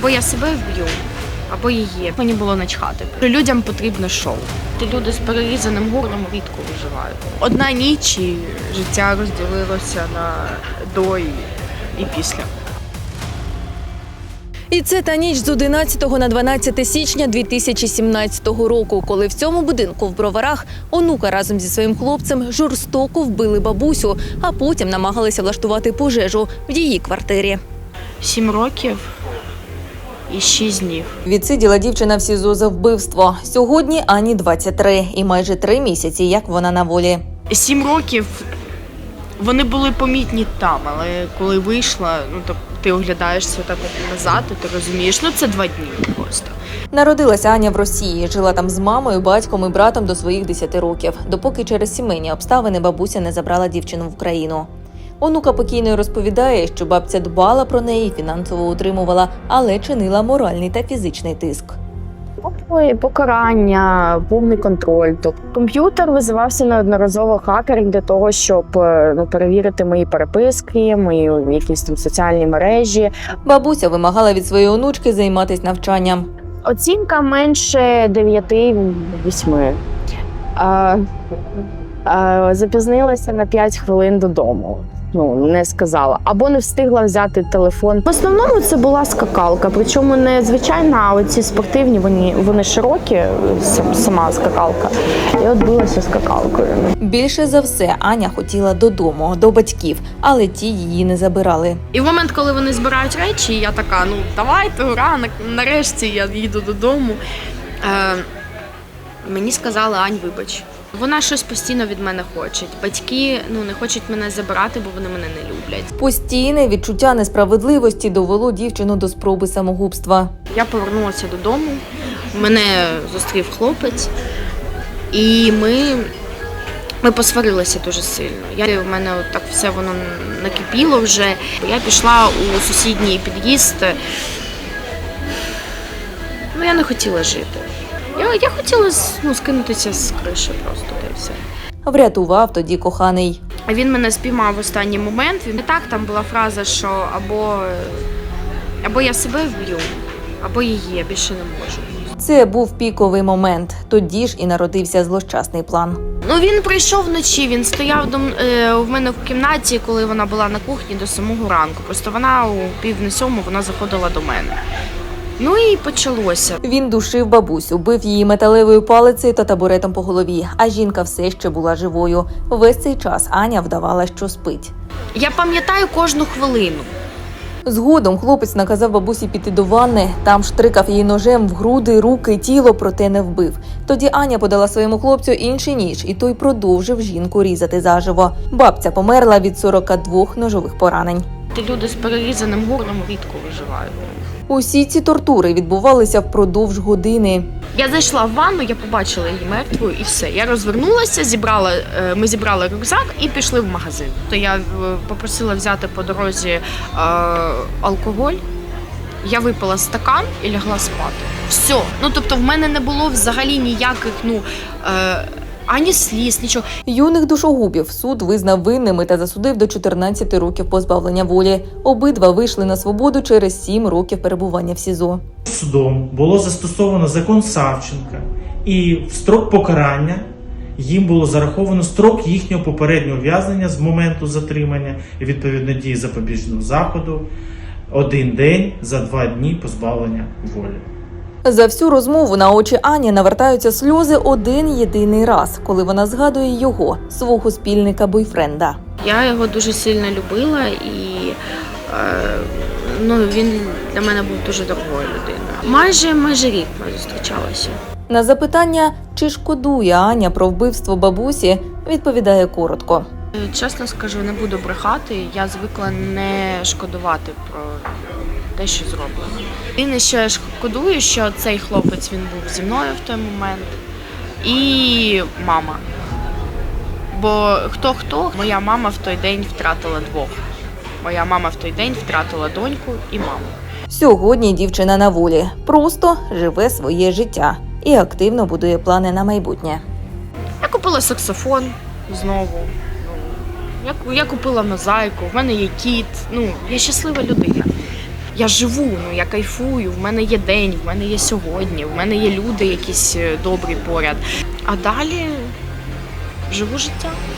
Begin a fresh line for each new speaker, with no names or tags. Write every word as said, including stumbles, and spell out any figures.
Або я себе вб'ю, або її. Мені було начхати. Людям потрібно шоу. Люди з перерізаним горлом рідко виживають. Одна ніч і життя розділилося на до і, і після.
І це та ніч з одинадцятого на дванадцяте січня дві тисячі сімнадцятого року, коли в цьому будинку в Броварах онука разом зі своїм хлопцем жорстоко вбили бабусю, а потім намагалися влаштувати пожежу в її квартирі.
Сім років і шість днів.
Відсиділа дівчина в СІЗО за вбивство. Сьогодні Ані двадцять три і майже три місяці, як вона на волі.
Сім років вони були помітні там, але коли вийшла, ну то ти оглядаєшся так от назад, і ти розумієш, ну це два дні просто.
Народилася Аня в Росії, жила там з мамою, батьком і братом до своїх десяти років, допоки через сімейні обставини бабуся не забрала дівчину в Україну. Онука покійної розповідає, що бабця дбала про неї, фінансово утримувала, але чинила моральний та фізичний тиск.
Ой, покарання, повний контроль. Тобто комп'ютер визивався неодноразово хакерів для того, щоб ну, перевірити мої переписки, мої якісь там соціальні мережі.
Бабуся вимагала від своєї онучки займатися навчанням.
Оцінка менше дев'яти-восьми. А, а, запізнилася на п'ять хвилин додому. Ну, не сказала. Або не встигла взяти телефон. В основному це була скакалка. Причому не звичайна, а оці спортивні, вони, вони широкі, сама скакалка. І от билася скакалкою.
Більше за все Аня хотіла додому, до батьків, але ті її не забирали.
І в момент, коли вони збирають речі, я така, ну давайте, ура, нарешті я їду додому. Е, мені сказали: Ань, вибач. Вона щось постійно від мене хоче. Батьки ну не хочуть мене забирати, бо вони мене не люблять.
Постійне відчуття несправедливості довело дівчину до спроби самогубства.
Я повернулася додому, мене зустрів хлопець, і ми, ми посварилися дуже сильно. Я, в мене от так все воно накипіло вже. Я пішла у сусідній під'їзд. Ну, я не хотіла жити. Я, я хотіла ну, скинутися з криші просто, та й все.
Врятував тоді коханий.
Він мене спіймав в останній момент. Він і так, там була фраза, що або, або я себе вб'ю, або її, я більше не можу.
Це був піковий момент. Тоді ж і народився злощасний план.
Ну, він прийшов вночі, він стояв до, е, в мене в кімнаті, коли вона була на кухні до самого ранку. Просто вона у пів на сьому, вона заходила до мене. Ну і почалося.
Він душив бабусю, бив її металевою палицею та табуретом по голові, а жінка все ще була живою. Весь цей час Аня вдавала, що спить.
Я пам'ятаю кожну хвилину.
Згодом хлопець наказав бабусі піти до ванни, там штрикав її ножем в груди, руки, тіло, проте не вбив. Тоді Аня подала своєму хлопцю інший ніж, і той продовжив жінку різати заживо. Бабця померла від сорока двох ножових поранень.
Люди з перерізаним горлом рідко виживають.
Усі ці тортури відбувалися впродовж години.
Я зайшла в ванну, я побачила її мертвою і все. Я розвернулася, зібрала, ми зібрали рюкзак і пішли в магазин. То я попросила взяти по дорозі е, алкоголь, я випила стакан і лягла спати. Все. Ну, тобто в мене не було взагалі ніяких, ну, е, ані сліз, нічого.
Юних душогубів суд визнав винними та засудив до чотирнадцяти років позбавлення волі. Обидва вийшли на свободу через сім років перебування в СІЗО.
Судом було застосовано закон Савченка, і в строк покарання їм було зараховано строк їхнього попереднього ув'язнення з моменту затримання і відповідно дії запобіжного заходу один день за два дні позбавлення волі.
За всю розмову на очі Ані навертаються сльози один єдиний раз, коли вона згадує його, свого спільника-бойфренда.
Я його дуже сильно любила і е, ну, він для мене був дуже дорогою людиною. Майже, майже рік ми зустрічалися.
На запитання, чи шкодує Аня про вбивство бабусі, відповідає коротко.
Чесно скажу, не буду брехати, я звикла не шкодувати про те, що зроблено. Єдине, що я шкодую, що цей хлопець, він був зі мною в той момент, і мама. Бо хто-хто, моя мама в той день втратила двох. Моя мама в той день втратила доньку і маму.
Сьогодні дівчина на волі, просто живе своє життя і активно будує плани на майбутнє.
Я купила саксофон знову. Я, я купила мозаїку, в мене є кіт, ну, я щаслива людина. я живу, ну я кайфую, в мене є день, в мене є сьогодні, в мене є люди якісь добрі поряд. А далі живу життя.